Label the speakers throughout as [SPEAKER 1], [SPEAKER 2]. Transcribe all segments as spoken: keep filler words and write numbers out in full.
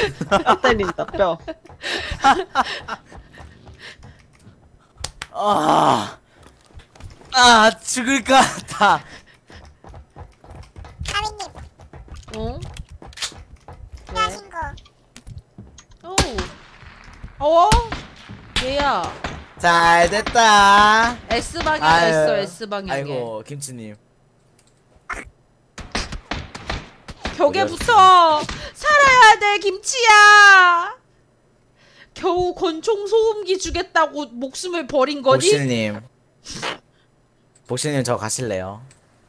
[SPEAKER 1] 뼈 때린다 뼈.
[SPEAKER 2] 아, 아 죽을 것 같아.
[SPEAKER 3] 가민님
[SPEAKER 4] 어?
[SPEAKER 3] 필요하신 거
[SPEAKER 4] 오. 어? 얘야.
[SPEAKER 2] 잘 됐다.
[SPEAKER 4] S 방향에
[SPEAKER 2] 아유,
[SPEAKER 4] 있어. S 방향에.
[SPEAKER 2] 아이고 김치님.
[SPEAKER 4] 벽에
[SPEAKER 2] 어디였어?
[SPEAKER 4] 붙어. 살아야 돼 김치야. 겨우 권총 소음기 주겠다고 목숨을 버린 거니?
[SPEAKER 2] 복실님. 복실님 저 가실래요?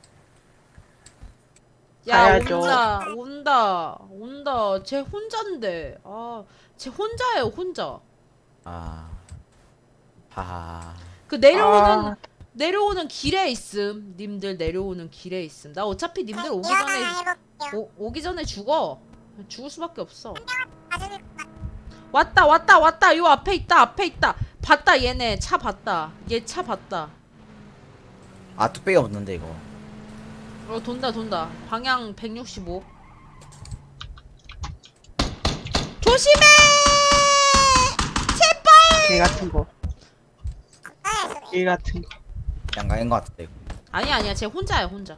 [SPEAKER 4] 야
[SPEAKER 1] 가야죠.
[SPEAKER 4] 온다 온다 온다. 쟤 혼잔데. 아, 쟤 혼자예요 혼자.
[SPEAKER 2] 아, 하하.
[SPEAKER 4] 그 내려오는
[SPEAKER 1] 아.
[SPEAKER 4] 내려오는 길에 있음. 님들 내려오는 길에 있음. 나 어차피 님들 오기
[SPEAKER 3] 이어나
[SPEAKER 4] 전에
[SPEAKER 3] 해볼게요.
[SPEAKER 4] 오, 오기 전에 죽어. 죽을 수밖에 없어.
[SPEAKER 3] 봐줄
[SPEAKER 4] 왔다 왔다 왔다. 요 앞에 있다 앞에 있다. 봤다 얘네 차 봤다. 얘 차 봤다.
[SPEAKER 2] 아 뚝배기 없는데 이거.
[SPEAKER 4] 어 돈다 돈다. 방향 백육십오. 조심해. 제발.
[SPEAKER 1] 개 같은 거.
[SPEAKER 3] 거예요.
[SPEAKER 1] 개 같은 거.
[SPEAKER 2] 양강인 것 같은데 이거.
[SPEAKER 4] 아니야 아니야 쟤 혼자야 혼자.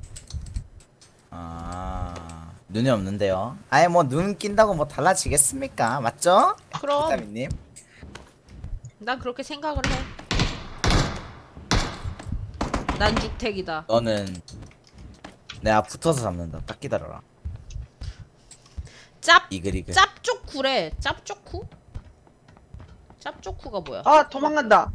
[SPEAKER 2] 아, 눈이 없는데요. 아예 뭐 눈 낀다고 뭐 달라지겠습니까? 맞죠?
[SPEAKER 4] 그럼
[SPEAKER 2] 비타민님.
[SPEAKER 4] 난 그렇게 생각을 해. 난 주택이다.
[SPEAKER 2] 너는 내가 붙어서 잡는다. 딱 기다려라.
[SPEAKER 4] 짭
[SPEAKER 2] 이글이글.
[SPEAKER 4] 짭조쿠래. 짭조쿠? 짭조쿠가 뭐야?
[SPEAKER 1] 아 도망간다.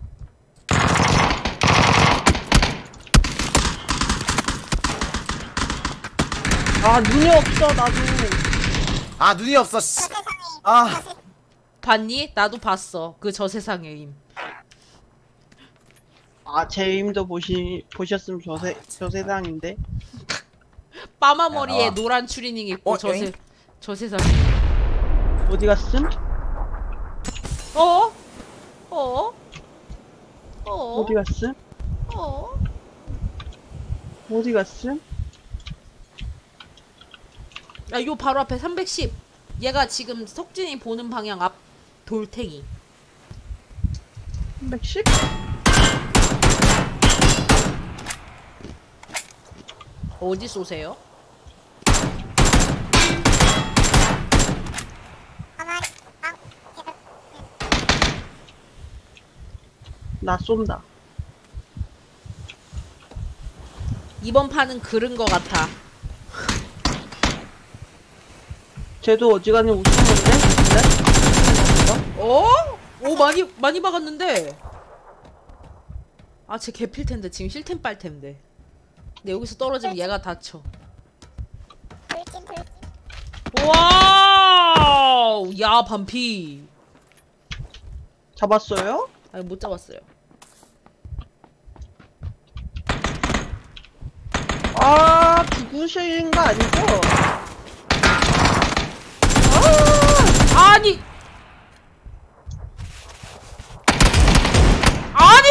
[SPEAKER 1] 아 눈이 없어 나도.
[SPEAKER 2] 아 눈이 없어. 씨.
[SPEAKER 3] 세상에
[SPEAKER 2] 아,
[SPEAKER 4] 봤니? 나도 봤어. 그 저 세상의 힘.
[SPEAKER 1] 아 제 힘도 보시 보셨으면 저세 저 세상인데.
[SPEAKER 4] 빠마 머리에
[SPEAKER 2] 야,
[SPEAKER 4] 노란 추리닝 입고
[SPEAKER 2] 어,
[SPEAKER 4] 저
[SPEAKER 2] 에잉?
[SPEAKER 4] 세 저 세상.
[SPEAKER 1] 어디 갔음?
[SPEAKER 4] 어? 어? 어?
[SPEAKER 1] 어디 갔음?
[SPEAKER 4] 어?
[SPEAKER 1] 어디 갔음?
[SPEAKER 4] 야, 요 바로 앞에 삼백십. 얘가 지금 석진이 보는 방향 앞 돌탱이.
[SPEAKER 1] 삼백십?
[SPEAKER 4] 어디 쏘세요?
[SPEAKER 3] 가만히 아 제가
[SPEAKER 1] 나 쏜다.
[SPEAKER 4] 이번 판은 그른 거 같아.
[SPEAKER 1] 쟤도 어지간히 웃은 건데? 근데?
[SPEAKER 4] 어? 오 많이 많이 박았는데. 아, 쟤 개필 텐데 지금 힐템 빨 텐데. 근데 여기서 떨어지면 얘가 다쳐.
[SPEAKER 3] 돌진 돌진
[SPEAKER 4] 와우! 야, 반피.
[SPEAKER 1] 잡았어요?
[SPEAKER 4] 아니, 못 잡았어요.
[SPEAKER 1] 아 죽으신 거 아니죠?
[SPEAKER 4] 아니! 아니!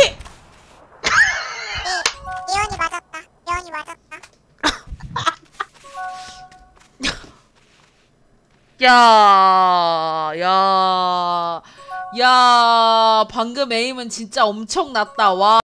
[SPEAKER 3] 예, 예언이 맞았다. 예언이 맞았다.
[SPEAKER 4] 야, 야, 야, 방금 에임은 진짜 엄청 났다. 와.